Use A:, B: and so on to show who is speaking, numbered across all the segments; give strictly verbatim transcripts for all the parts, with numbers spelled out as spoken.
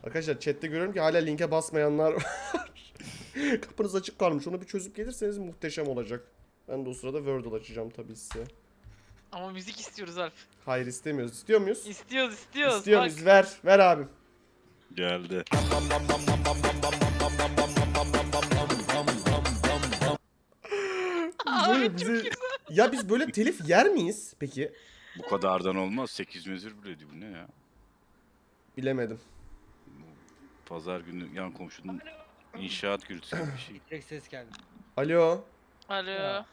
A: Arkadaşlar chatte görüyorum ki hala linke basmayanlar var. Kapınız açık kalmış. Onu bir çözüp gelirseniz muhteşem olacak. Ben de o sırada Wordle açacağım tabii size.
B: Ama müzik istiyoruz Alp.
A: Hayır istemiyoruz. İstiyor muyuz?
B: İstiyoruz istiyoruz.
A: İstiyor
B: Bak.
A: muyuz? Ver. Ver abim.
C: Geldi.
B: Abi
A: Böyle
B: çok
A: bize-
B: güzel.
A: Ya biz böyle telif yer miyiz peki?
C: Bu kadardan olmaz. sekiz mezür bile bu ne ya?
A: Bilemedim.
C: Bu pazar günü yan komşunun inşaat gürültüsü gibi bir şey.
D: Tek ses geldi.
A: Alo.
B: Alo.
D: Ya.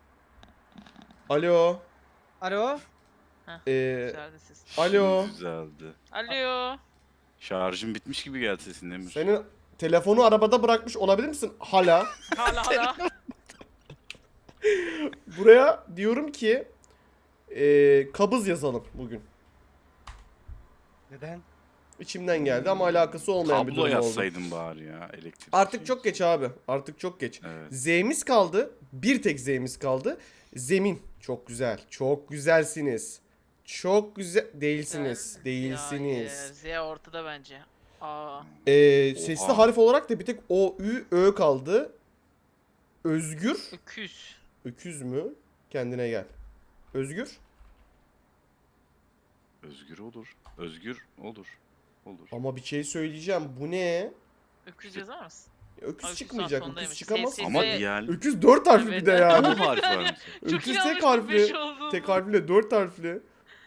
A: Alo.
D: Alo.
A: Ee,
B: Güzeldi ses.
A: Alo.
C: Şimdi düzeldi.
B: Alo.
C: Şarjım bitmiş gibi geldi sesin Emir.
A: senin telefonu arabada bırakmış olabilir misin? Hala.
B: Hala hala.
A: Buraya diyorum ki ee, kabız yazalım bugün.
D: Neden?
A: İçimden geldi ama alakası olmayan bir
C: Kablo
A: durum oldu.
C: yazsaydın bari ya elektrik.
A: Artık çok geç abi. Artık çok geç.
C: Evet.
A: Z'miz kaldı. Bir tek Z'miz kaldı. Zemin. Çok güzel. Çok güzelsiniz. Çok güzel. Değilsiniz. Değilsiniz.
B: Ya, Z ortada bence. Aa.
A: Ee, sesli
C: Oha.
A: harf olarak da bir tek O, Ü, Ö kaldı. Özgür.
B: Öküz.
A: Öküz mü? Kendine gel. Özgür.
C: Özgür olur. Özgür olur. Olur.
A: Ama bir şey söyleyeceğim. Bu ne?
B: Öküz yazar mısın?
A: Öküz
B: Öküz
A: çıkmayacak.
B: sondaymış.
A: Öküz çıkamaz.
B: Ses-
C: Ama
B: Sesi-
C: diğer
A: Öküz dört harfli
B: Evet.
A: bir de yani.
C: bu harf var mesela.
B: Çok
A: Öküz
B: yanlış
A: tek harfli.
B: bilmiş oldum.
A: Tek harfli dört harfli.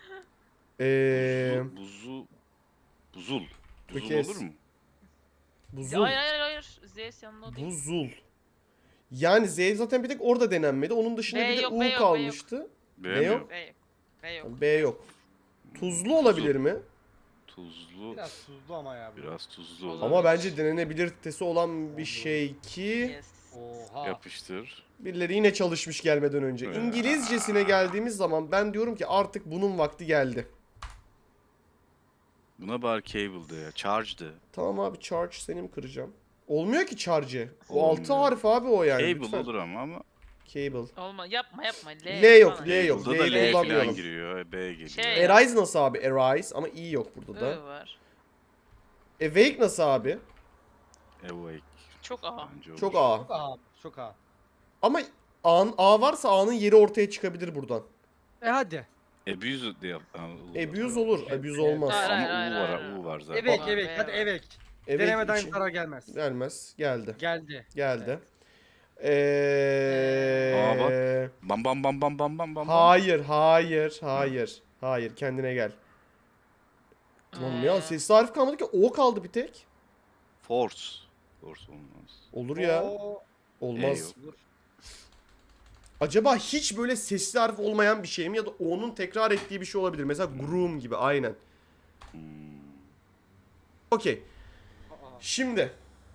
A: Eee
C: Buzu, buzu, buzul. Buzul
A: Ökez.
C: olur mu?
A: buzul.
B: Hayır hayır hayır. Z yanında o değil.
A: Buzul. Yani Z zaten bir tek orada denenmedi. Onun dışında
B: B
A: bir de
B: yok,
A: U
B: B yok, B
A: kalmıştı.
C: B
A: Ne
C: mi
A: yok?
B: B yok. B yok.
A: B yok. Tuzlu olabilir mi?
C: Tuzlu.
D: Biraz tuzlu ama ya. bu.
C: Biraz tuzlu
B: Olabilir.
C: olur.
A: Ama bence denenebilirtesi olan bir
D: Olur.
A: şey ki
B: Yes.
D: Oha.
C: Yapıştır.
A: birileri yine çalışmış gelmeden önce.
C: Ya.
A: İngilizcesine geldiğimiz zaman ben diyorum ki artık bunun vakti geldi.
C: Buna bari cable de ya. Charge de.
A: Tamam abi charge seni mi kıracağım? Olmuyor ki charge. O
C: Olmuyor.
A: altı harf abi o yani.
C: Cable
A: lütfen.
C: olur ama ama
A: Cable.
B: Olma yapma yapma. L,
A: L yok,
B: falan.
A: L yok.
C: Cable'da da
A: L'yi
C: L
A: kullanmayalım.
C: falan giriyor. e, B geliyor.
B: Şey-
A: Arise nasıl abi? Arise ama i yok burada da.
B: I var.
A: Awake nasıl abi?
C: Awake.
B: Çok A.
C: Bence olur.
A: Çok A.
D: Çok ağır. Çok ağır.
A: Ama A'nın A varsa A'nın yeri ortaya çıkabilir buradan.
D: E hadi.
C: Abuse de yap. ha, U var.
A: Abuse olur. Abuse olmaz.
B: Hayır,
C: Ama
B: hayır, hayır,
C: U var,
B: hayır.
C: U var zaten.
D: Evet
B: Var,
D: evet.
B: B
D: Hadi
B: var.
D: evet.
A: Evet
D: Denemeden
A: için-
D: zarar gelmez.
A: Gelmez. Geldi.
D: Geldi.
A: Geldi. Eee...
C: Aa, bak. Bam bam bam bam bam bam bam.
A: Hayır, hayır, hayır. Hayır, kendine gel. Lan ya
B: Ee,
A: sesli harf kalmadı ki O kaldı bir tek.
C: Force. Force olmaz.
A: Olur ya.
D: Oo.
A: Olmaz.
C: E yok.
D: Dur.
A: Acaba hiç böyle sesli harf olmayan bir şey mi ya da O'nun tekrar ettiği bir şey olabilir. Mesela groom gibi aynen.
C: Hmm.
A: Okey.
D: Aa.
A: Şimdi.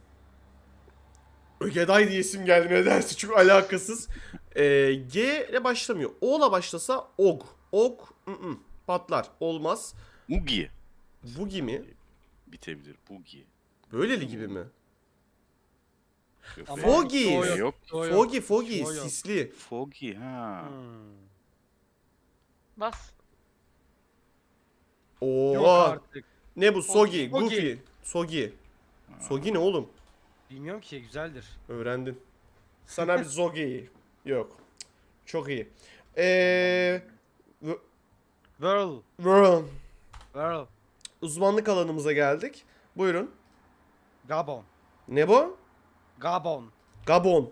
A: Ögeday diye isim geldi nedense çok alakasız. Ee, G ile başlamıyor. O ile başlasa Og. Og ı-ı, patlar. Olmaz.
C: Ugi.
A: Bugi mi?
C: Bitebilir. Bugi.
A: Böyleli gibi mi?
C: Yok,
D: Ama
C: B-
A: Foggy.
C: B yok.
D: O yok.
A: Foggy foggy
D: O yok.
A: sisli.
C: Foggy ha.
D: Hmm.
B: Bas.
D: Yok
A: Oo.
D: artık.
A: Ne bu? Sogi,
D: Foggy.
A: Goofy. Sogi. Sogi ne oğlum?
D: Bilmiyorum ki güzeldir.
A: Öğrendin. Sana bir Zogi. Yok. Çok iyi. Eee...
D: Whirl.
A: World.
D: Whirl.
A: Uzmanlık alanımıza geldik. Buyurun.
D: Gabon.
A: Ne bu?
D: Gabon.
A: Gabon.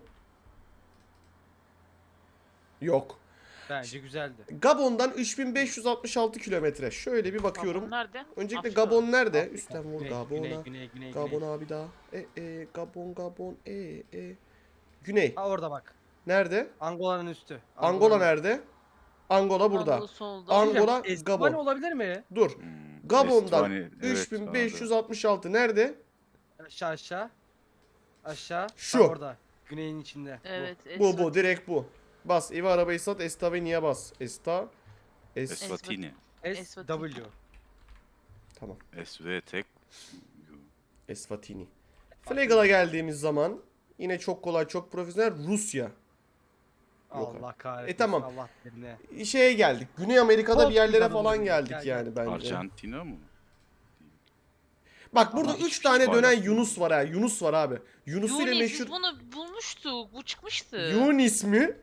A: Yok.
D: Bence güzeldi.
A: Gabon'dan üç bin beş yüz altmış altı kilometre. Şöyle bir bakıyorum.
B: Gabon nerede?
A: Öncelikle
B: Afrika.
A: Gabon nerede?
D: Afrika.
A: Üstten vur
D: Güney,
A: Gabon'a.
D: Güney, güney, güney,
A: Gabon
D: güney.
A: abi daha. E e Gabon Gabon e e. Güney.
D: Ha orada bak.
A: Nerede?
D: Angola'nın üstü.
A: Angola nerede? Angola burada.
B: Anadolu solda.
A: Ang- Angola,
D: Estibani
A: Gabon.
D: olabilir mi?
A: Dur.
C: Hmm.
A: Gabon'dan
C: Estvani, evet,
A: üç bin beş yüz altmış altı nerede?
D: Aşağı aşağı. Aşağı.
A: Şu.
D: Ha, orada. Güneyin içinde.
B: Evet.
A: Bu bu direkt bu. Bas evi arabayı sat Esta ve niye bas? Esta. Es.
C: Eswatini.
D: S
B: Eswatini.
D: W.
A: Tamam.
C: S V tek.
A: Eswatini. Flagal'a geldiğimiz zaman yine çok kolay çok profesyonel Rusya. Yok
D: Allah kahretsin.
A: E, tamam.
D: Allah birine.
A: Şeye geldik. Güney Amerika'da bir yerlere
D: Portekiz'e
A: falan
D: doğru
A: geldik
D: gel,
A: yani bence.
C: Arjantina mı?
A: Bak burada
C: Ama
A: üç
C: hiçbir
A: tane
C: şey
A: dönen
C: paylaşmıyor.
A: Yunus var ha. Yunus var abi. Yunus ile
B: Yunis
A: meşhur.
B: biz bunu bulmuştuk. Bu çıkmıştı.
A: Yunis mi?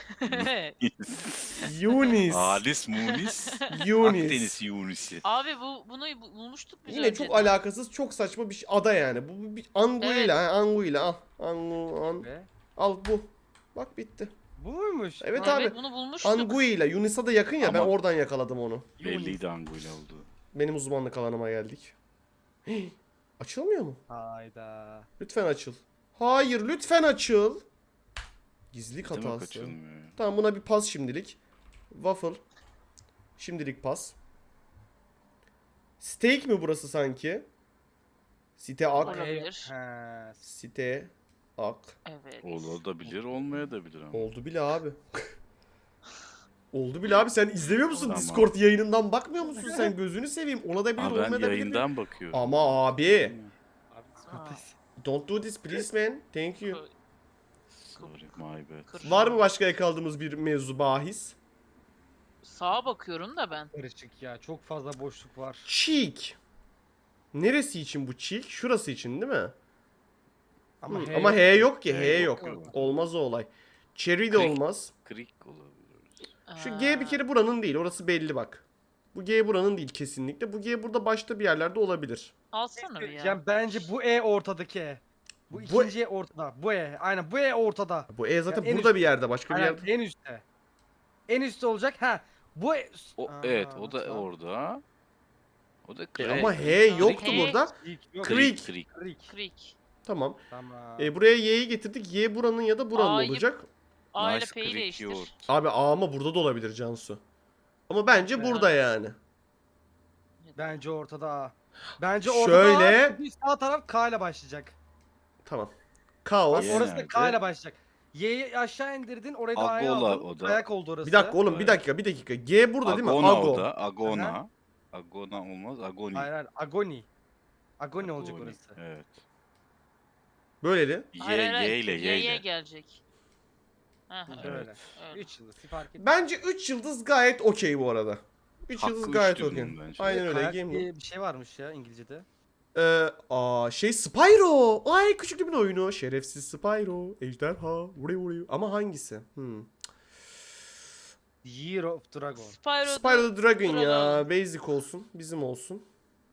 A: Yunis.
C: Halis Munis.
A: Yunis.
C: Akdeniz Yunisi.
B: Abi bu bunu bu- bulmuştuk biz
A: Yine çok
B: önceden.
A: alakasız, çok saçma bir şey. Ada yani. Bu, bu bir Anguilla,
B: Evet.
A: ha, Anguilla al. Angu, an,
D: Ve
A: al bu. Bak bitti.
D: bu muymuş?
A: Evet
D: Ha,
A: abi.
B: Evet bunu bulmuştuk.
A: Anguilla. Yunus'a da yakın ya, ben
C: Ama-
A: oradan yakaladım onu.
C: Belliydi Anguilla olduğu.
A: Benim uzmanlık alanıma geldik. Hii, açılmıyor mu?
D: Hayda.
A: Lütfen açıl. Hayır, lütfen açıl. Gizlilik
C: Demek
A: hatası.
C: açılmıyor ya.
A: Tamam, buna bir pas şimdilik. Waffle. Şimdilik pas. Steak mi burası sanki? Site ak.
B: Olabilir.
D: He.
A: Site ak.
B: Evet.
C: Olabilir, olmayabilir ama.
A: Oldu bile abi. Oldu bile abi, sen izlemiyor musun?
C: Tamam.
A: Discord yayınından bakmıyor musun sen? Gözünü seveyim. Ona da bilir,
C: Ama ben
A: olmayabilir.
C: yayından bakıyorum.
A: Ama abi.
D: Abi
B: Ha.
D: Scottish.
A: Don't do this please man. Thank you.
C: Sorry, my bad.
B: Kır-
A: Var mı başka yakaladığımız bir mevzu bahis?
B: Sağa bakıyorum da ben.
D: Karışık ya. Çok fazla boşluk var.
A: Cheek. Neresi için bu cheek? Şurası için değil mi?
D: Ama,
A: Hı,
D: H
A: Ama
D: yok.
A: H yok ki.
C: H
A: H
C: yok.
A: yok. Olmaz o olay. Cherry de
C: Creek.
A: olmaz.
C: Creek olabilir.
A: Şu G bir kere buranın değil. Orası belli bak. Bu G buranın değil kesinlikle. Bu G burada başta bir yerlerde olabilir.
B: Alsana bir ya.
D: Yani bence bu E ortadaki E. Bu
A: Bu-
D: ikinci E ortada. Bu E. Aynen bu E ortada.
A: Bu E zaten
D: Ya en
A: burada
D: üst-
A: bir yerde. Başka bir
D: Aynen
A: yerde.
D: en üstte. En üstte olacak. Ha. Bu E.
C: O,
D: Aa,
C: evet, o da
D: nasıl?
C: orada. O da
A: E
C: Creek.
A: ama H yoktu
B: H-
A: burada.
D: Creek yok.
A: Creek.
C: Creek.
D: Creek.
B: Creek.
A: Tamam.
D: Tamam.
A: E, buraya Y'yi getirdik. Y buranın ya da buranın
B: A'yı-
A: olacak.
B: A ile
C: Nice
B: P'yi
C: Creek
B: değiştir.
C: yoğurt.
A: Abi A ama burada da olabilir Cansu. Ama bence
D: Ben-
A: burada yani.
D: Bence ortada A. Bence ortada
A: Şöyle-
D: A. çünkü sağ taraf K ile başlayacak.
A: Tamam.
D: Bak
A: Kaos.
C: Y
D: orası da K
C: nerede?
D: ile başlayacak. Y'yi aşağı indirdin, orayı da A'ya
C: Agola
D: aldın.
C: o da.
D: Ayak oldu orası.
A: Bir dakika oğlum, bir
C: Evet.
A: dakika, bir dakika. G burada değil mi?
C: Agona
A: Ago.
C: o da. Agona. Agona olmaz. Agoni.
D: Hayır hayır. Agoni. Agoni olacak
C: Agoni,
D: orası.
C: Evet.
A: Böyleli.
C: Y,
B: Hayır, hayır, hayır.
C: Y ile Y
B: Y'ye
C: ile.
B: gelecek. Heh,
C: Evet.
D: Böyle.
B: öyle.
D: üç yıldız fark etmez.
A: Bence üç yıldız gayet okey bu arada. üç
C: Hakkı
A: yıldız
C: üç
A: gayet
C: diyorum
A: okey.
C: bence.
A: Aynen öyle.
D: Kayak
A: Game
D: diye bir şey varmış ya İngilizce'de.
A: Ee, aa şey Spyro. Ay küçüklüğümün oyunu. Şerefsiz Spyro. Ejderha. Vuri vuri. Ama hangisi? Hmm.
D: Year of Dragon.
B: Spyro,
A: Spyro the Dragon ya.
B: Dragon.
A: Basic olsun. Bizim olsun.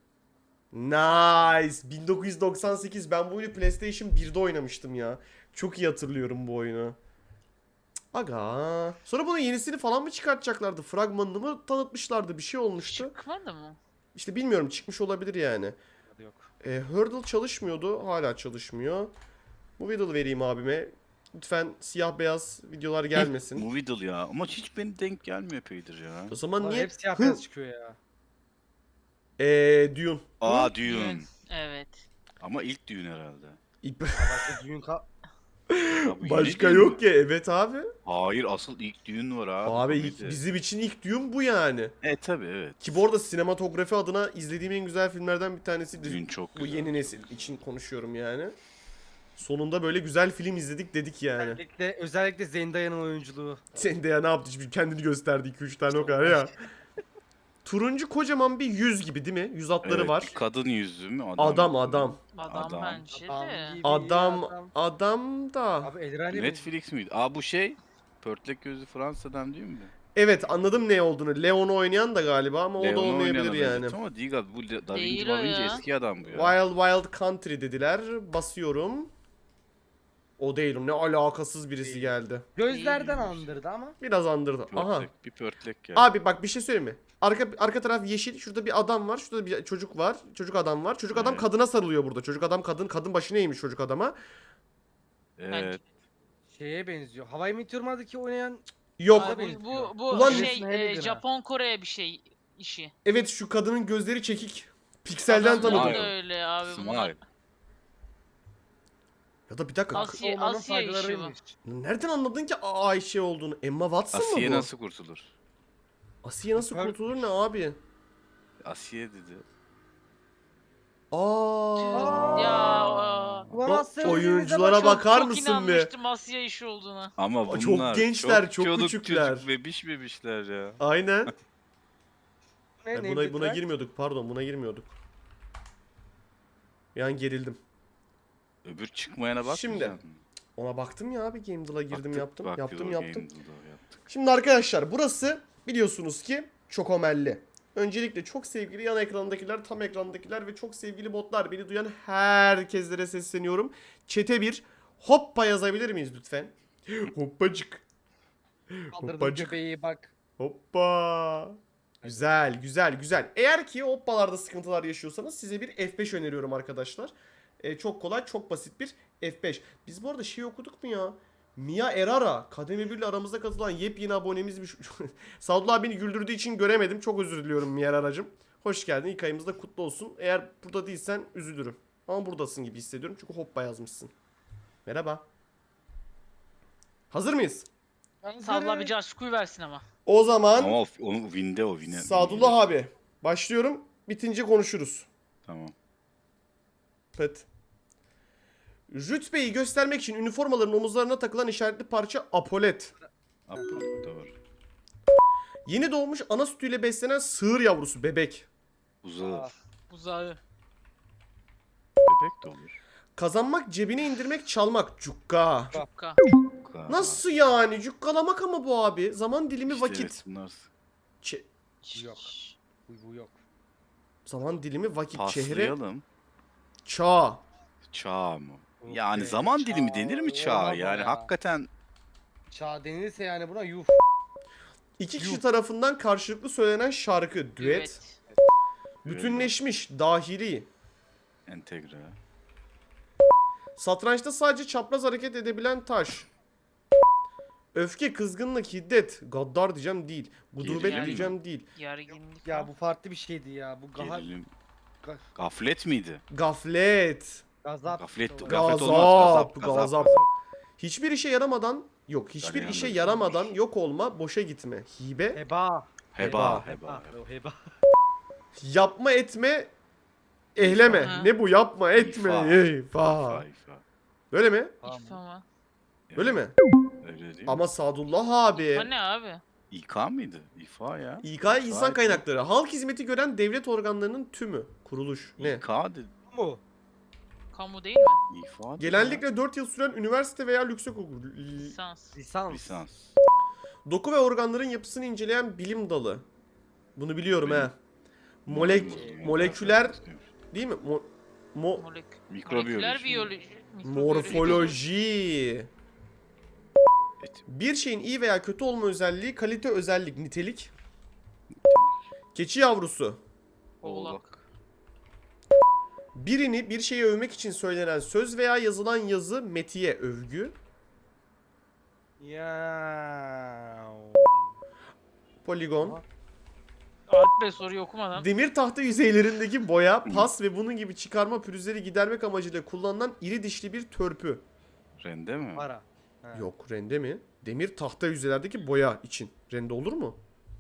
A: Nice. bin dokuz yüz doksan sekiz. Ben bu oyunu PlayStation birde oynamıştım ya. Çok iyi hatırlıyorum bu oyunu. Aga. Sonra bunun yenisini falan mı çıkartacaklardı? Fragmanını mı tanıtmışlardı? Bir şey olmuştu.
B: Çıkmadı mı?
A: İşte bilmiyorum, çıkmış olabilir yani.
D: Yok.
A: E, Hurdle çalışmıyordu. Hala çalışmıyor. Movidle vereyim abime. Lütfen siyah beyaz videolar gelmesin.
C: Movidle ya. Ama hiç beni denk gelmiyor epeydir ya.
A: O zaman
D: Lan
A: niye?
D: hep siyah
A: Hı.
D: beyaz çıkıyor ya.
A: Eee Dune.
C: Aa
B: Düğün.
C: Dune.
B: Evet.
C: Ama ilk düğün herhalde.
A: İlk-
D: Başka düğün ka...
C: Ya bu yeni
A: Başka
C: düğün mü?
A: yok ya, evet abi.
C: Hayır, asıl ilk düğün var abi.
A: Abi
C: komedi.
A: ilk- bizim için ilk Dune bu yani.
C: E tabi evet.
A: Ki bu arada sinematografi adına izlediğim en güzel filmlerden bir tanesi.
C: Düğün çok
A: Bu
C: güzel.
A: yeni nesil için konuşuyorum yani. Sonunda böyle güzel film izledik dedik yani.
D: Özellikle, özellikle Zendaya'nın oyunculuğu.
A: Sen de ya ne yaptı? Şimdi kendini gösterdi iki üç tane o kadar ya. Turuncu kocaman bir yüz gibi değil mi? Yüz hatları
C: Evet,
A: var.
C: bir kadın yüzü mü?
A: Adam adam.
B: Adam,
C: Adam.
B: bence
D: Adam
B: de.
D: gibi
A: Adam
D: adam.
A: adam da.
D: Abi Elrani
C: Netflix miydi? Aa bu şey. Pörtlek gözlü Fransa'dan değil mi?
A: Evet, anladım ne olduğunu. Leon'u oynayan da galiba ama o da
C: Leon'u
A: olmayabilir
C: oynayana
A: yani.
C: benziyor. Ama değil galiba. Bu Da Vinci
B: Değil
C: Da
B: o
C: Vinci
B: ya.
C: eski adam bu ya.
A: Wild Wild Country dediler. Basıyorum. O değilim. Ne alakasız birisi
D: Değil.
A: geldi.
D: Gözlerden
C: Değilmiş.
D: andırdı ama.
A: Biraz andırdı. Aha.
C: Pörtlek, bir pörtlek geldi.
A: Abi bak bir şey söyleyeyim mi? Arka arka taraf yeşil. Şurada bir adam var. Şurada bir çocuk var. Çocuk adam var. Çocuk adam
C: Evet.
A: kadına sarılıyor burada. Çocuk adam kadın. Kadın başına eğmiş çocuk adama.
C: Evet.
D: Şeye benziyor. Hawaii Meteor'daki oynayan
A: Yok.
B: Abi,
D: benziyor.
B: bu bu
A: Ulan-
B: şey
D: Neresine
B: e,
D: neydin ha?
B: Japon Kore bir şey işi.
A: Evet, şu kadının gözleri çekik. Pikselden
B: Adamlar
A: tanıdım.
B: da
C: Smile.
B: öyle abi bunlar.
C: Smile.
A: Ya da bir dakika.
B: Asya-
D: olmanın
B: Asya işi bu.
D: faydalarıymış.
A: Nereden anladın ki A- Ayşe olduğunu? Emma Watson
C: Asiye
A: mı bu?
C: nasıl kurtulur?
A: Asiye nasıl
D: Süper-
A: kurtulur ne abi?
C: Asiye dedi.
A: Aa.
B: Ya aa.
D: Ulan
A: O
D: Asya
A: oyunculara
D: oyunculara
A: bak- Bakar
B: çok
A: mısın be?
B: inanmıştım Asya işi olduğuna.
C: Ama
A: Aa,
C: bunlar
A: çok gençler, çok
C: çoluk
A: küçükler.
C: çocuk bebiş bebişler ya.
A: Aynen.
D: Ne,
A: Ya
D: ne
A: buna buna
D: dediler?
A: girmiyorduk, pardon, buna girmiyorduk. Bir an gerildim.
C: Öbür çıkmayana bak.
A: Şimdi, Ona baktım ya abi, Game Deal'a girdim yaptım. yaptım yaptım. Şimdi arkadaşlar burası biliyorsunuz ki çok omelli. Öncelikle çok sevgili yan ekrandakiler, tam ekrandakiler ve çok sevgili botlar, beni duyan herkeslere sesleniyorum. Chat'e bir hoppa yazabilir miyiz lütfen? Hoppacık.
D: Kaldırdım
A: Hoppacık.
D: göbeği bak.
A: Hoppa. Güzel, güzel, güzel. Eğer ki hoppalarda sıkıntılar yaşıyorsanız size bir F beş öneriyorum arkadaşlar. Ee, çok kolay, çok basit bir F beş. Biz bu arada şey okuduk mu ya? Mia Erara, Kademe bir ile aramızda katılan yepyeni abonemizmiş. Sadullah beni güldürdüğü için göremedim. Çok özür diliyorum Mia Erara'cığım. Hoş geldin. İlk ayımız da kutlu olsun. Eğer burada değilsen üzülürüm. Ama buradasın gibi hissediyorum. Çünkü hoppa yazmışsın. Merhaba. Hazır mıyız?
B: Sadullah bir Casku'yu versin ama.
A: O zaman
C: Ama o, onu winde o wine.
A: Sadullah abi başlıyorum. Bitince konuşuruz.
C: Tamam.
A: Pıt. Rütbeyi göstermek için üniformaların omuzlarına takılan işaretli parça apolet.
C: Apple, doğru.
A: Yeni doğmuş ana sütüyle beslenen sığır yavrusu bebek.
C: Uzağı.
D: Aa,
B: Buzağı.
C: Bebek de olur.
A: Kazanmak, cebine indirmek, çalmak. Cukka.
B: Cukka.
C: Ka-
A: Nasıl yani? Cukkalamak ama bu abi. Zaman dilimi
C: İşte
A: vakit.
C: evet, bunlar
A: Çe-
D: Yok. bu, bu yok.
A: zaman dilimi vakit. Çehre.
C: paslayalım.
A: Çağ.
C: Çağ mı?
D: Yok
C: Yani
D: be,
C: zaman
D: çağ
C: dilimi denir mi çağ?
D: olmaz o
C: Yani
D: ya.
C: hakikaten
D: Çağ denilirse yani buna yuh.
A: İki kişi tarafından karşılıklı söylenen şarkı. Düet.
B: Evet.
A: Bütünleşmiş. Dahili.
C: entegre.
A: Satrançta sadece çapraz hareket edebilen taş. Öfke, kızgınlık, hiddet. Gaddar diyeceğim değil. Gudubet
C: Gerilim mi?
A: diyeceğim değil.
B: Gerginlik.
D: Ya bu farklı bir şeydi ya. Bu gaha,
C: Gerilim.
D: ga,
C: Gaflet miydi?
A: Gaflet.
D: gazap.
C: Gaflet,
D: Gazap.
C: gaflet
A: Gazap,
C: olmaz. Gazap,
A: gazap.
C: gazap.
A: Hiçbir işe yaramadan yok. Hiçbir
C: Galeyan
A: işe
C: da
A: yaramadan
C: güzelmiş.
A: yok olma, boşa gitme. Hibe.
D: Heba.
C: Heba,
A: Heba.
C: heba.
D: O heba.
A: Yapma etme. Ehleme.
B: Ha.
A: Ne bu yapma etme.
C: İfa.
A: Eyfa.
C: İfa, ifa.
A: Böyle mi?
D: Tamam.
B: İfa mı?
A: Öyle mi?
C: Öyle değil mi?
A: Ama Sadullah abi.
B: O ne abi?
C: İK mıydı? İfa ya.
A: İK
C: İfa
A: insan
C: İK.
A: kaynakları. Halk hizmeti gören devlet organlarının tümü. Kuruluş. Ne?
C: İK dedi.
D: Bu mu?
B: Kamu değil mi?
C: İfa dedi
A: Genellikle dört yıl süren üniversite veya yüksekokul. L-
B: Lisans.
D: Lisans.
C: ya. Lisans.
A: Doku ve organların yapısını inceleyen bilim dalı. Bunu biliyorum
C: Benim-
A: he. Molek
C: Benim-
A: moleküler değil mi? Mo- mo-
B: Molek.
C: Mikrobiyoloji.
B: Moleküler biyoloji.
A: morfoloji.
C: Et-
A: Bir şeyin iyi veya kötü olma özelliği, kalite, özellik, nitelik. Keçi yavrusu.
B: Oğlak.
A: Birini bir şeye övmek için söylenen söz veya yazılan yazı, metiye, övgü.
D: Ya.
A: Poligon.
D: Aha.
B: Alp Bey soruyu okumadan.
A: Demir tahta yüzeylerindeki boya, pas ve bunun gibi çıkarma pürüzleri gidermek amacıyla kullanılan iri dişli bir törpü.
C: Rende mi?
D: Para. Ha.
A: Yok, rende mi? Demir tahta yüzeylerdeki boya için. Rende olur mu?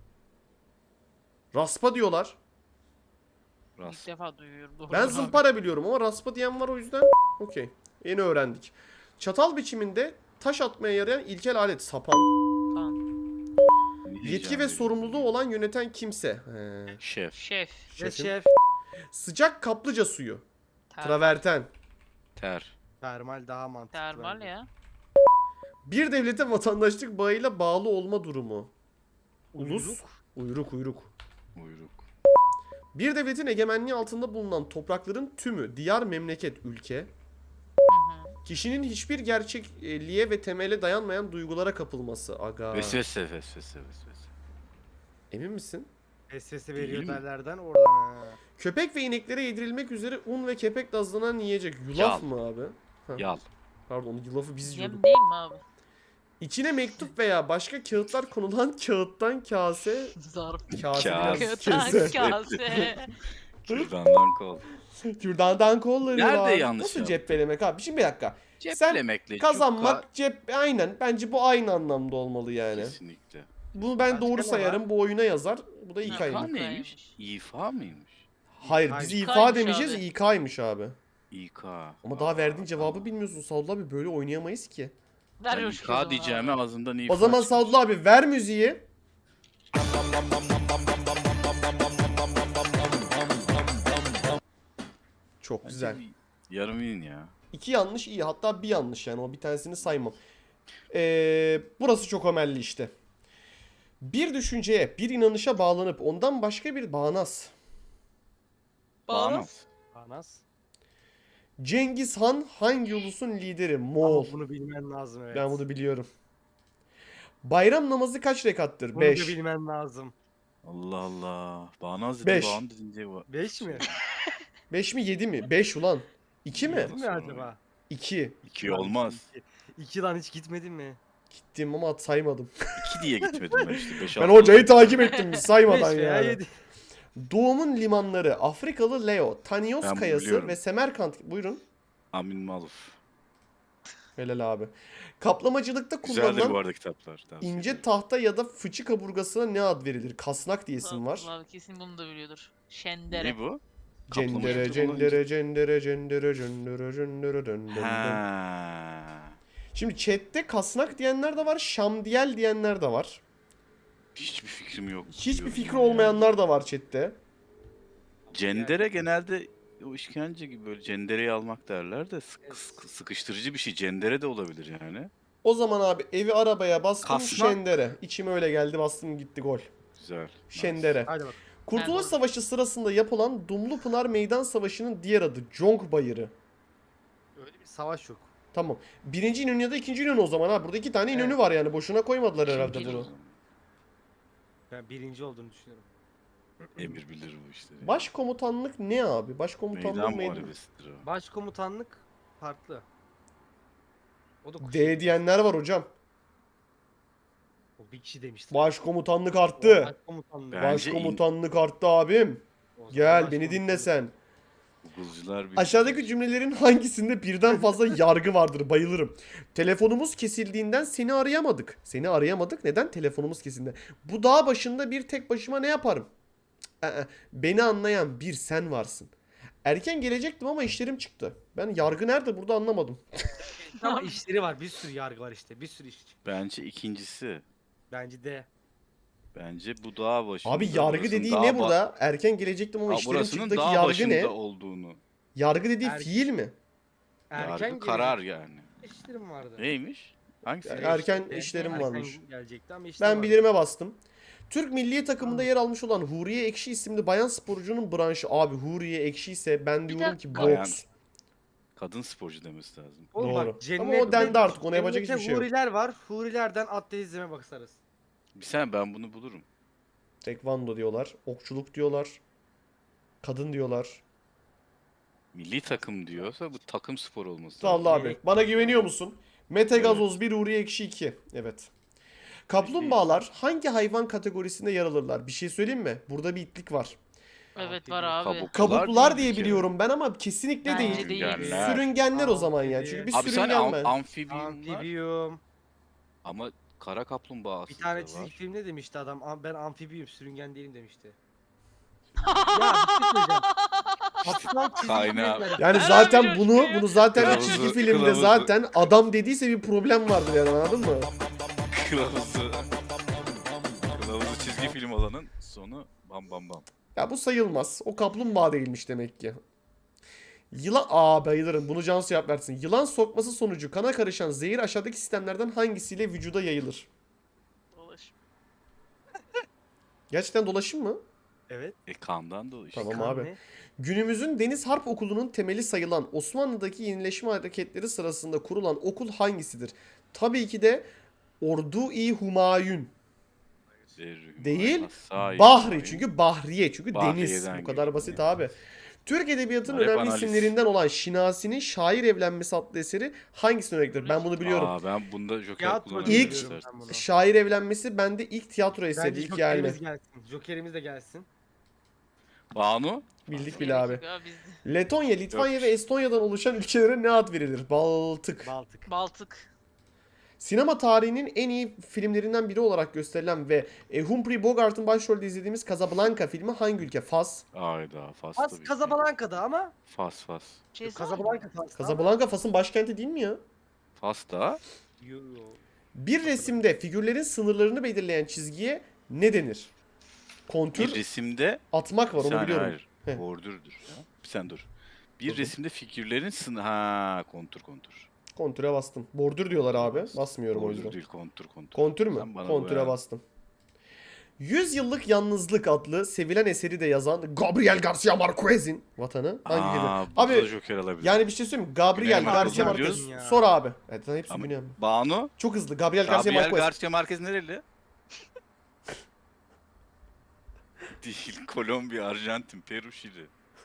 A: Raspa diyorlar.
B: İlk
C: Ras.
B: defa duyuyorum. Doğru
A: Ben
B: abi.
A: zımpara biliyorum ama raspa diyen var, o yüzden. Okey. Yeni öğrendik. Çatal biçiminde taş atmaya yarayan ilkel alet. Sapan.
B: Tamam.
A: Yetki ve sorumluluğu olan yöneten kimse. He.
C: Şef.
B: Şef.
D: Ve
A: Şefim.
D: şef.
A: Sıcak kaplıca suyu.
B: Ter-
A: Traverten.
C: Ter.
D: Termal daha mantıklı.
B: Termal
D: bence.
B: ya.
A: Bir devlete vatandaşlık bağıyla bağlı olma durumu. Ulus.
D: Uyruk.
A: Uyruk uyruk.
C: Uyruk.
A: Bir devletin egemenliği altında bulunan toprakların tümü, diyar, memleket, ülke.
B: Hı hı.
A: Kişinin hiçbir gerçekliğe ve temele dayanmayan duygulara kapılması. Aga.
C: Vesvese, vesvese, vesvese.
A: Emin misin?
D: Vesvese
C: Değil
D: veriyor
C: mi?
D: derlerden oradan ha.
A: Köpek ve ineklere yedirilmek üzere un ve kepek dazlanan yiyecek. Yulaf
C: Yal.
A: mı abi? Ha,
C: Yal.
A: Pardon, yulafı biz yiyorduk.
B: Yem değil mi abi?
A: İçine mektup veya başka kağıtlar konulan kağıttan kase.
B: Zarf.
A: Kase
C: Kase.
A: biraz
B: Kağıttan
A: kese.
B: kase.
C: Kürdandan kol.
A: Kürdandan kolları
C: Nerede
A: var.
C: yanlış
A: Nasıl
C: yaptın?
A: cephelemek abi? Şimdi bir dakika.
C: Ceplemekle
A: Kazanmak
C: çok
A: cep aynen. Bence bu aynı anlamda olmalı yani.
C: kesinlikle.
A: Bunu ben
D: Başka
A: doğru
D: ne
A: sayarım. Bu oyuna yazar. Bu da
B: İK
A: İK'ymış.
C: İfa
B: mı?
C: neymiş? İfa mıymış?
A: Hayır,
D: Hayır.
A: biz
B: İK'ymış
A: İFA demeyeceğiz.
B: abi.
A: İK'ymış abi.
C: İK.
A: Ama daha verdiğin cevabı bilmiyorsun Sadullah abi. Böyle oynayamayız ki.
B: Ver
C: Ben
B: o şu zaman
C: İK diyeceğime
B: abi.
C: ağzından İfa
A: O zaman
C: çıkmış.
A: Sadullah abi ver müziği. Çok
C: Bence
A: güzel.
C: bir Yarım win ya.
A: İki yanlış iyi. Hatta bir yanlış yani. O bir tanesini saymam. Ee, burası çok ömelli işte. Bir düşünceye, bir inanışa bağlanıp ondan başka bir bağnaz.
C: Bağnaz.
D: Anas.
A: Cengiz Han hangi ulusun lideri?
D: Ama
A: Moğol.
D: bunu bilmen lazım evet.
A: Ben bunu biliyorum. Bayram namazı kaç rekattır?
D: Bunu
A: beş.
D: da bilmen lazım.
C: Allah Allah. Bağnaz dedi.
A: Beş.
C: Bağnaz dedince bu.
D: beş mi?
A: beş mi yedi mi? beş ulan. iki mi?
D: Değil mi acaba?
A: iki.
C: İki olmaz.
D: iki. İki lan hiç gitmedin mi?
A: Gittim ama saymadım.
C: İki diye gitmedim ben işte. Beş,
A: Ben
C: altı
A: hocayı
C: oldu.
A: takip ettim saymadan
D: beş veya
A: yani.
D: yedi.
A: Doğumun limanları Afrikalı Leo, Tanios
C: Ben bunu
A: Kayası
C: biliyorum.
A: ve Semerkant. Buyurun.
C: Amin Maluf.
A: Helal abi. Kaplamacılıkta
C: Güzeldir bu
A: kullanılan
C: arada kitaplar. tavsiye
A: ince
C: ederim.
A: tahta ya da fıçı kaburgasına ne ad verilir? Kasnak diye isim var.
B: Abi kesin bunu da biliyordur. Şendere.
C: Ne bu?
A: Cendere
C: Kaplamacılık
A: cendere cendere cendere cendere cendere dön dön dön.
C: Ha.
A: Şimdi chatte kasnak diyenler de var, şamdiyel diyenler de var.
C: Hiçbir fikrim yok.
A: Hiçbir
C: diyorum
A: fikri
C: ya.
A: olmayanlar da var chatte.
C: Cendere genelde o işkence gibi böyle cendereyi almak derler de sık-
D: Evet.
C: sık- sıkıştırıcı bir şey. Cendere de olabilir yani.
A: O zaman abi evi arabaya bastım
C: Kasnak.
A: Şendere. İçime öyle geldi bastım gitti gol.
C: Güzel. nice.
A: Şendere.
D: Hadi bak.
A: Kurtuluş
B: Ben-
A: Savaşı sırasında yapılan Dumlupınar Meydan Savaşı'nın diğer adı Conk Bayırı.
D: Öyle bir savaş yok.
A: Tamam. Birinci İnönü ya da ikinci İnönü o zaman ha. Burada iki tane İnönü
D: Evet.
A: var yani. Boşuna koymadılar herhalde
B: İkinci
A: bunu.
D: Ben birinci olduğunu düşünüyorum.
C: Emir bilir bu işleri.
A: Başkomutanlık ne abi? Başkomutanlık
C: Meydan
A: meydan.
C: muharebesidir o.
D: Başkomutanlık farklı. O da kuş.
A: D diyenler var hocam.
D: O bir kişi demişti.
A: Başkomutanlık
D: O
A: arttı.
D: Başkomutanlık.
C: Ben-
A: Başkomutanlık arttı abim.
D: O zaman
A: Gel beni
D: başkomutanlık.
A: dinle sen.
C: Google'cılar bir
A: Aşağıdaki cümlelerin hangisinde birden fazla yargı vardır? Bayılırım. Telefonumuz kesildiğinden seni arayamadık. Seni arayamadık. Neden? Telefonumuz kesildi. Bu dağ başında bir tek başıma ne yaparım? Cık, ı-ı. Beni anlayan bir sen varsın. Erken gelecektim ama işlerim çıktı. Ben yargı nerede burada anlamadım.
D: Ama işleri var. Bir sürü yargı var işte. Bir sürü iş.
C: Bence ikincisi.
D: Bence de.
C: Bence bu dağ başında.
A: Abi yargı
C: burasının
A: dediği
C: dağ
A: ne
C: ba-
A: burada? Erken gelecektim ama
C: Aa,
A: işlerim
C: burasının
A: çıktı'daki
C: dağ
A: yargı
C: başında
A: ne?
C: olduğunu.
A: Yargı dediği
D: Er-
A: fiil mi?
D: Erken
C: Yargı karar
D: gelecek-
C: yani.
D: İşlerim vardı.
C: Neymiş? Hangisi?
A: Er- erken
D: İşte,
A: işlerim
D: erken
A: varmış.
D: gelecekti ama işlerim
A: Ben
D: vardı.
A: bilirime bastım. Türk milli takımında yer almış olan Huriye Ekşi isimli bayan sporcunun branşı. Abi Huriye Ekşi ise ben
B: Bir
A: diyorum ki
C: dakika.
A: boks.
C: Kadın sporcu demesi lazım.
D: Oğlum
A: Doğru.
D: bak, cennet,
A: Ama o dendi artık, ona yapacak
D: cennette
A: hiçbir şey yok.
D: Huriler var. Hurilerden ateizme bakarız.
C: Bir sen ben bunu bulurum.
A: Tekvando diyorlar. Okçuluk diyorlar. Kadın diyorlar.
C: Milli takım diyorsa bu takım spor olması
A: Sağ ol
C: lazım.
A: abi. Bana güveniyor musun? Mete Gazoz bir, Huriye Ekşi iki. Evet. Kaplumbağalar hangi hayvan kategorisinde yer alırlar? Bir şey söyleyeyim mi? Burada bir itlik var.
B: Evet var abi.
C: Kabuk.
A: Kabuklular
C: değil
A: diye
C: bir kere.
A: biliyorum ben ama kesinlikle
B: Bence
A: değil.
B: değil.
C: Sürüngenler.
A: Sürüngenler o zaman ya. Çünkü bir
C: Abi sen
A: sürüngen
C: am-
A: ben.
C: amfibiyumlar
D: Amfibiyum.
C: ama kara kaplumbağa
D: Bir
C: aslında
D: tane
C: var.
D: çizgi filmde demişti adam. "Am- Ben amfibiyum, sürüngen değilim" demişti. Ya bir şey söyleyeceğim. Kaplan çizgi
C: Kaynağı.
D: filmler.
A: Yani
B: Her
A: zaten
B: abi
A: bunu
B: coşkuyor.
A: bunu zaten bir
C: Kılavuzu-
A: çizgi filmde
C: kılavuzu.
A: zaten adam dediyse bir problem vardır yani anladın mı?
C: Kılavuzu. Kılavuzu çizgi film olanın sonu bam bam bam.
A: Ya bu sayılmaz. O kaplumbağa değilmiş demek ki. Yılan... Aa bayılırım. Bunu Cansu cevap versin. Yılan sokması sonucu kana karışan zehir aşağıdaki sistemlerden hangisiyle vücuda yayılır?
B: Dolaş.
A: Gerçekten dolaşım mı?
D: Evet.
C: E kandan dolayı işte.
A: Tamam
D: kan
A: abi.
D: ne?
A: Günümüzün Deniz Harp Okulu'nun temeli sayılan Osmanlı'daki yenileşme hareketleri sırasında kurulan okul hangisidir? Tabii ki de Ordu-i Humayun.
C: Zerrü,
A: Değil,
C: Hasai,
A: Bahri.
C: Humayun.
A: Çünkü Bahriye. Çünkü deniz.
C: Bahriye'den
A: Bu kadar
C: geliyor.
A: basit abi. Türk Edebiyatı'nın
C: Bunlar hep
A: önemli
C: analiz.
A: isimlerinden olan Şinasi'nin Şair Evlenmesi adlı eseri hangisine örnektir? Ben bunu biliyorum.
C: Aa ben bunda Joker
D: Tiyatro
C: kullanabilirim
A: İlk-
D: diyorum
C: istersen.
D: ben bunu.
A: Şair Evlenmesi bende ilk tiyatro eseri.
D: Bence
A: ilk yerli.
D: Joker'imiz gelsin. Joker'imiz de gelsin.
C: Banu?
A: Bildik bile abi.
B: Ya biz
A: Letonya, Litvanya
C: Yok.
A: ve Estonya'dan oluşan ülkelere ne ad verilir? Baltık.
D: Baltık.
B: Baltık.
A: Sinema tarihinin en iyi filmlerinden biri olarak gösterilen ve e, Humphrey Bogart'ın başrolde izlediğimiz Casablanca filmi hangi ülke? Fas.
C: Ayda Fas
D: Fas
C: tabii ki.
D: Casablanca'da ama
C: Fas Fas.
B: Şey
D: Casablanca Fas'ta.
A: Casablanca Fas'ın başkenti değil mi ya?
C: Fas da
D: Yo, yo.
A: Bir resimde figürlerin sınırlarını belirleyen çizgiye ne denir? Kontür
C: bir resimde
A: atmak var
C: bir
A: onu
C: saniye,
A: biliyorum.
C: hayır.
A: Heh.
C: Bordürdür ya. Bir sen dur. Bir
A: Buldum.
C: resimde figürlerin sınır... Ha, kontur kontur.
A: Kontüre bastım. Bordür diyorlar abi. Basmıyorum o
C: Kontur
A: yüzden.
C: değil, kontur kontur.
A: Kontür mü?
C: Sen bana
A: Kontüre
C: boya.
A: bastım. Yüz Yıllık Yalnızlık adlı sevilen eseri de yazan Gabriel Garcia Marquez'in vatanı hangi ülkede?
C: Aa, burada
A: Abi
C: da Joker alabilir.
A: yani bir şey söyleyeyim mi? Gabriel
C: Güney
A: Garcia
C: Amerika'da
A: Marquez.
D: biliyorsun ya.
A: Sor abi. Evet ben hepsini
C: Ama
A: biliyorum.
C: Banu,
A: Çok hızlı. Gabriel Garcia
C: Gabriel
A: Marquez.
C: Garcia Marquez nereli? Değil, Kolombiya, Arjantin, Peru, Şili.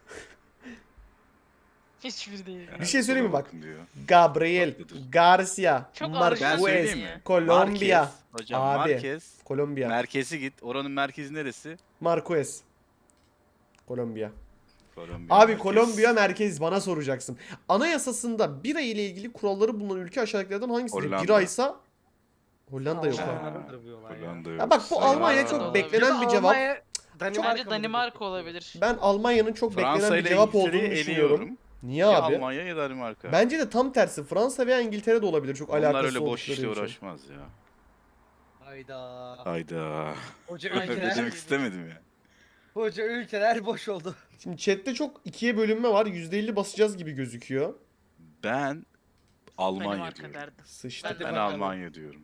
B: Hiçbir değil.
A: Bir şey söyleyeyim mi bak?
C: Bakın diyor.
A: Gabriel
C: Haklıdır.
A: Garcia
B: Çok
C: Ben
A: Marquez.
B: Arjantin
C: söyleyeyim mi?
B: ya.
A: Kolombiya.
C: Marquez, hocam
A: Abi.
C: Marquez.
A: Kolombiya.
C: Merkezi git. Oranın merkezi neresi?
A: Marquez. Kolombiya.
C: Kolombiya.
A: Abi
C: merkez.
A: Kolombiya merkez bana soracaksın. Anayasasında bira ile ilgili kuralları bulunan ülke aşağıdakilerden hangisidir?
C: Hollanda.
A: Bira ise Hollanda yok
C: Ha.
A: abi.
D: Almanlardır bu olay ya.
C: Hollanda yok.
A: Ya bak bu
C: Sayın-
A: Almanya
B: Aa.
A: çok
B: Olabilir.
A: beklenen bir
D: Ya
A: cevap.
D: Almanya, Danimarka
B: Bence
D: mı
B: Danimarka
D: diyecektim?
B: olabilir.
A: Ben Almanya'nın çok
C: Fransa
A: beklenen bir
C: ile
A: cevap
C: İngiltere'yi
A: olduğunu düşünüyorum.
C: eliyorum.
A: Niye
C: Ya
A: abi?
C: Almanya ya Danimarka.
A: Bence de tam tersi. Fransa veya İngiltere de olabilir çok
C: Onlar
A: alakası
C: öyle boş
A: oldukları
C: işle
A: için.
C: uğraşmaz ya.
D: Hayda.
C: Hayda.
D: Hoca
B: Aynen.
C: Öyle
D: ülkeler,
C: demek istemedim ya.
D: hoca ülkeler boş oldu.
A: Şimdi chatte çok ikiye bölünme var. yüzde elli basacağız gibi gözüküyor.
C: Ben Almanya
B: Danimarka
C: diyorum.
B: derdim.
A: Sıçtı.
D: Hadi
C: Ben
D: bakalım.
C: Almanya diyorum.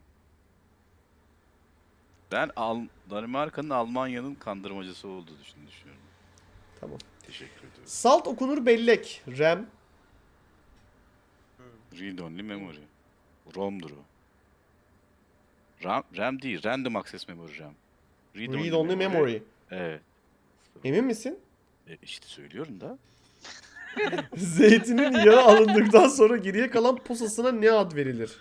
C: Ben Al Danimarka'nın Almanya'nın kandırmacısı olduğu için düşünüyorum.
A: Tamam.
C: Teşekkür ediyorum.
A: Salt okunur bellek. RAM.
C: Read only memory. ROM'dur o. RAM, RAM değil. Random access memory RAM.
A: Read only memory.
C: Evet.
A: Emin misin?
C: E, işte söylüyorum da.
A: Zeytinin yağı alındıktan sonra geriye kalan posasına ne ad verilir?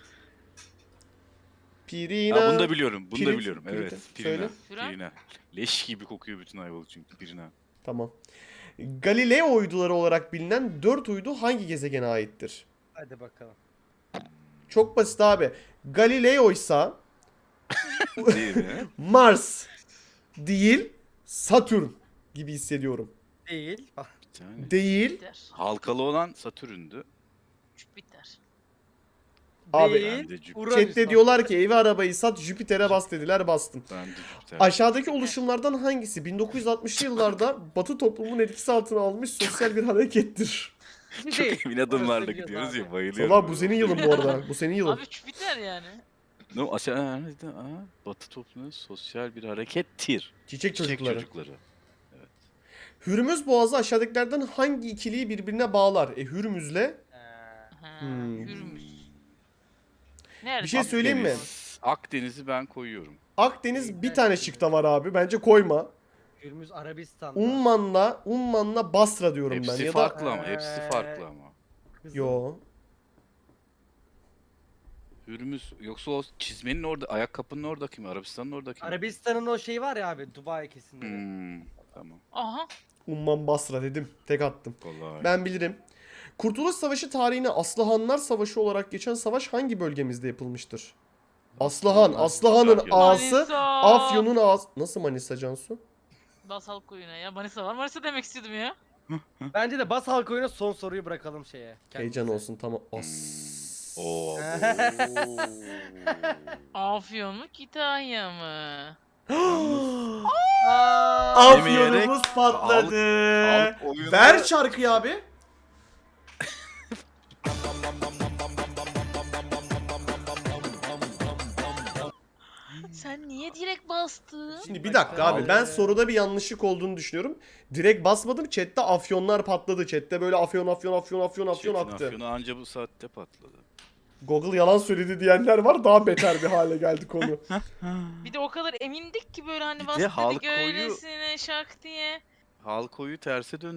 A: Pirina.
C: Ha, bunu da biliyorum. Bunu
A: Pirit-
C: da biliyorum. Evet.
A: Pirit-
C: Pirina.
A: söyle.
B: Pirin?
C: Pirina. Leş gibi kokuyor bütün Ayvalık çünkü Pirina.
A: Tamam. Galileo uyduları olarak bilinen dört uydu hangi gezegene aittir?
D: Hadi bakalım.
A: Çok basit abi. Galileo ise
C: Değil mi?
A: Mars değil Satürn gibi hissediyorum.
D: Değil. Ah,
C: Bir tane.
A: Değil.
B: Jüpiter.
C: Halkalı olan Satürn'dü.
B: Jüpiter.
A: Abi,
D: Değil.
C: Ben de Jüpiter.
D: Uranüs
A: Chatte
D: bak.
A: diyorlar ki evi arabayı sat Jüpiter'e bas dediler bastım.
C: Ben de Jüpiter.
A: Aşağıdaki oluşumlardan hangisi bin dokuz yüz altmışlı yıllarda Batı toplumun etkisi altına almış sosyal bir harekettir?
C: Çok
D: Değil.
C: emin adımlarla
D: Orası
C: gidiyoruz
D: biliyoruz
C: ya
D: abi.
C: bayılıyorum.
A: Valla bu senin yılın bu arada. Bu senin yılın.
B: Abi Jüpiter yani.
C: No, aşağı, aa, aa, Batı toplumunun sosyal bir harekettir.
A: Çiçek
C: Çiçek
A: çocukları.
C: çocukları.
A: Hürmüz Boğazı aşağıdakilerden hangi ikiliyi birbirine bağlar? E Hürmüz'le
D: Ee,
B: Ha,
A: Hmm.
B: Hürmüz. Nerede?
A: Bir şey söyleyeyim mi?
C: Akdeniz. Akdeniz'i ben koyuyorum.
A: Akdeniz bir tane şıkta var abi. Bence koyma.
D: Hürmüz Arabistan'da.
A: Umman'la Umman'la Basra diyorum ben.
C: Hepsi
A: Ya da
C: farklı ama. Hepsi
D: Ee,
C: farklı ama.
D: Kızıl.
A: yo.
C: Hürmüz yoksa o çizmenin orada, ayakkabının oradaki mi? Arabistan'ın oradaki mi?
D: Arabistan'ın o şeyi var ya abi Dubai kesinlikle.
C: Hmm, tamam.
B: Aha.
A: Umman Basra dedim. Tek attım.
C: Kolay.
A: Ben bilirim. Kurtuluş Savaşı tarihine Aslıhanlar Savaşı olarak geçen savaş hangi bölgemizde yapılmıştır? Aslıhan. Aslıhan'ın
C: Manisa.
A: ağası.
B: Manisa.
A: Afyon'un ağası. Nasıl Manisa Cansu?
B: Basal koyuna ya. Manisa var. Manisa demek istiyordum ya.
D: Bence de bas halk oyuna son soruyu bırakalım şeye. kendimize.
A: Heyecan olsun tamam. As.
C: Oo.
B: Afyon mu Kütahya mı?
D: Aa,
A: Afyonumuz patladı.
C: halk oyunu-
A: Ver şarkıyı abi.
B: Sen niye direkt bastın?
A: Şimdi bir dakika abi ben soruda bir yanlışlık olduğunu düşünüyorum. Direkt basmadım chatte afyonlar patladı. Chatte böyle afyon afyon afyon afyon afyon
C: Çetin
A: aktı.
C: Afyon'u anca bu saatte patladı.
A: Google yalan söyledi diyenler var daha beter bir hale geldi konu.
B: Bir de o kadar emindik ki böyle hani
C: Bir de
B: bas
C: halk
B: dedik
C: oyu-
B: öylesine şak diye.
C: Halk oyu terse döndü.